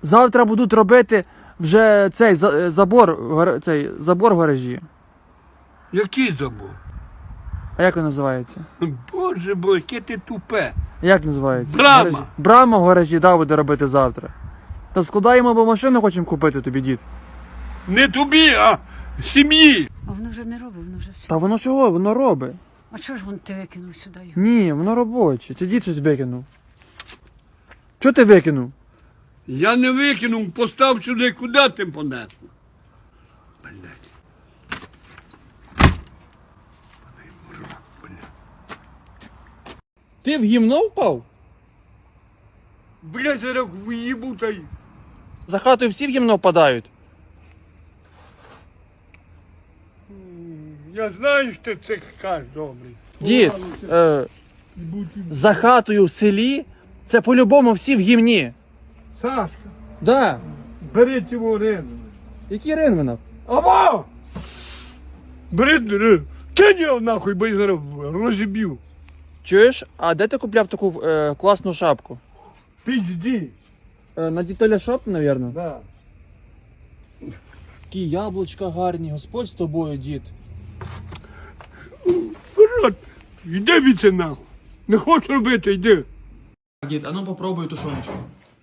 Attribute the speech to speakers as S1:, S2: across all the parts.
S1: Завтра будуть робити вже цей забор в гаражі.
S2: Який забор?
S1: А як він називається?
S2: Боже мой, яке ти тупе.
S1: Як називається?
S2: Брама.
S1: Гаражі. Брама в гаражі, да, буде робити завтра. Та складаємо, бо машину хочемо купити тобі, дід.
S2: Не тобі, а сім'ї.
S3: А воно вже не робить, воно вже все.
S1: Та воно чого? Воно робить.
S3: А чого ж ти викинув сюди його?
S1: Ні, воно робоче. Це дід щось викинув. Чого ти викинув?
S2: Я не викинув, постав сюди, куди ти понесло? Блядь.
S1: Ти в гімно впав?
S2: Блядь, зараз в'їбу та й.
S1: За хатою всі в гімно впадають.
S2: Я знаю, що ти це кажеш, добрий.
S1: Дід, за хатою в селі це по-любому всі в гімні.
S2: Сашка,
S1: Да.
S2: бери цього рину.
S1: Який Ринвинов?
S2: Аво! Бери, кинь його нахуй, бо я зараз розіб'ю.
S1: Чуєш, а де ти купляв таку класну шапку?
S2: Підійди.
S1: На Дітоля Шоп, мабуть?
S2: Да.
S1: Такі яблучка гарні, Господь з тобою, дід.
S2: Вперед, йди від це нахуй. Не хочеш робити, йди.
S1: Дід, а ну попробуй тушоночку.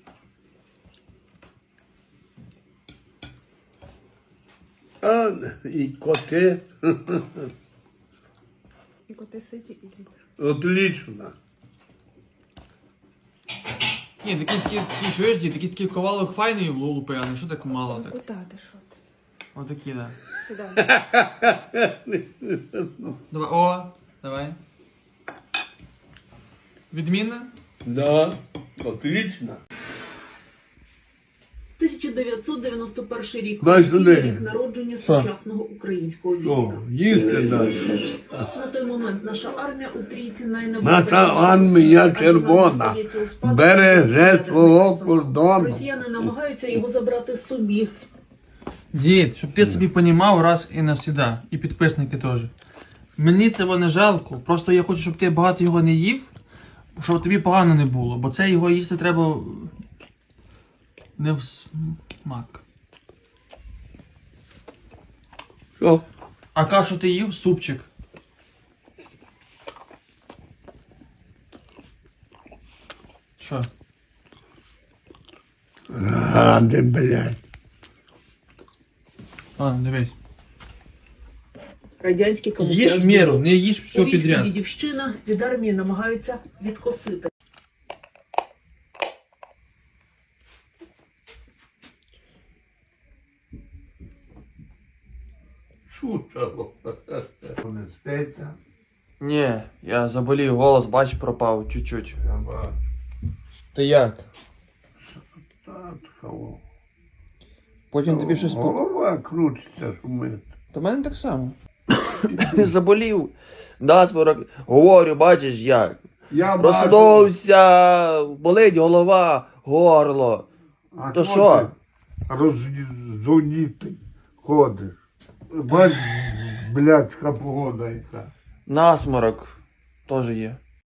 S2: А, і коти.
S3: І коти ситі і дід.
S2: Отлично.
S1: Ні, такий чуєш, дід, такий ковалок файний лупи, а не що так мало так.
S3: Куди ти що ти?
S1: Отакі, да.
S3: Сюди.
S1: Давай, о, давай. Відмінно?
S2: Да, отлично.
S4: 1991 рік.
S2: Дай сюди.
S4: Офіційний рік народження сучасного українського
S2: О,
S4: війська.
S2: їсти далі.
S4: На той момент наша армія у трійці
S2: Наша
S4: найнебезпечніших.
S2: армія
S4: адже
S2: червона
S4: нам дістається у спадок
S2: береже
S4: від
S2: свого
S4: ядерних
S2: кордону.
S4: Росіяни намагаються його забрати собі.
S1: Дід, щоб ти собі понімав раз і навсіда. І підписники теж. Мені цього не жалко. Просто я хочу, щоб ти багато його не їв, щоб тобі погано не було. Бо це його їсти треба не в смак.
S2: Що?
S1: А кашу ти їв? Супчик. Що?
S2: Ради, блядь.
S1: Ладно, дивись.
S4: Радянські камуфляжні.
S1: Їж в міру, не їж все
S4: У війську
S1: підряд.
S4: Дідівщина від армії намагаються відкосити.
S2: Шутало. Не спиться.
S1: Ні, я заболів, голос, бач, пропав чуть-чуть.
S2: Я бачу.
S1: Ти як?
S2: Татхало.
S1: Потім тобі щось по...
S2: Голова крутиться, шумить.
S1: Та в мене так само. Заболів. Насморок. Говорю, бачиш як.
S2: Я
S1: Проснувся, болить голова, горло.
S2: А
S1: То
S2: хто
S1: що?
S2: ти Роззвонітий ходиш. Бач, блядська погода яка.
S1: Насморок теж є.